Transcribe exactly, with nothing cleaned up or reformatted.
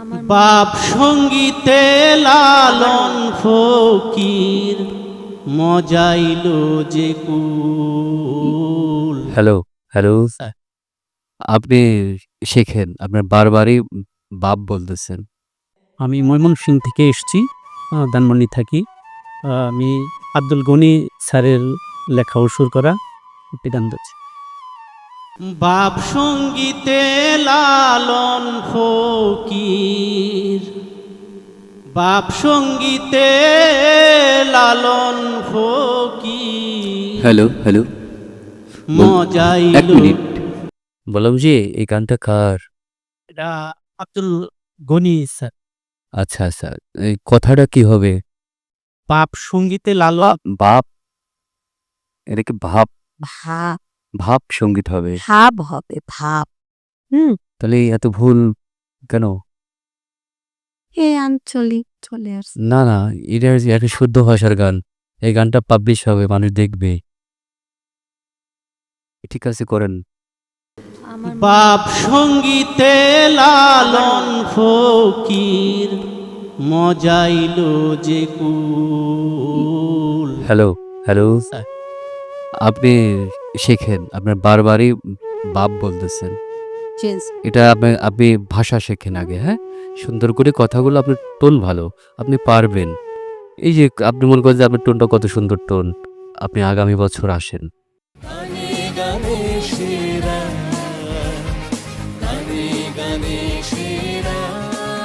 বাপ সঙ্গীতে লালন ফকির মজাইল যে কুল। Hello hello sir. আপনি শেখেন, আপনার বারবারই বাপ বলতেছেন। আমি ময়মনসিংহ থেকে এসেছি, আহ, ধানমন্ডি থাকি। আহ, আমি আব্দুল গনি স্যারের লেখা ও সুর করা একটি গান ধরছি। বাপ সঙ্গীতে লালন ফকির, বাপ সঙ্গীতে লালন ফকির হ্যালো হ্যালো এক মজাইল। মিনিট, বললাম যে এই গানটা কার? এটা আব্দুল গনি স্যার। আচ্ছা আচ্ছা, এই কথাটা কি হবে? বাপ সঙ্গীতে লালন। বাপ, এটা কি ভাব? ভাব ভাব সঙ্গীত হবে? ভাব হবে ভাব। হুম তাহলে এত ভুল কেন? এ আঞ্চলিক চলে আসছে। না না, এটা একটা শুদ্ধ ভাষার গান। এই গানটা পাবলিশ হবে, মানুষ দেখবে। ঠিক আছে, করেন। বাপ সঙ্গীতে লালন ফকির মজাইল যে কুল। Hello hello sir. আপনি শেখেন, আপনার বারবারই বাপ বলতেছেন। চেঞ্জ এটা আপনি আপনি ভাষা শেখেন আগে, হ্যাঁ, সুন্দর করে কথাগুলো, আপনার টোন ভালো, আপনি পারবেন। এই যে আপনি মনে করেন যে আপনার টোনটা কত সুন্দর টোন, আপনি আগামী বছর আসেন। গানে গানে সেরা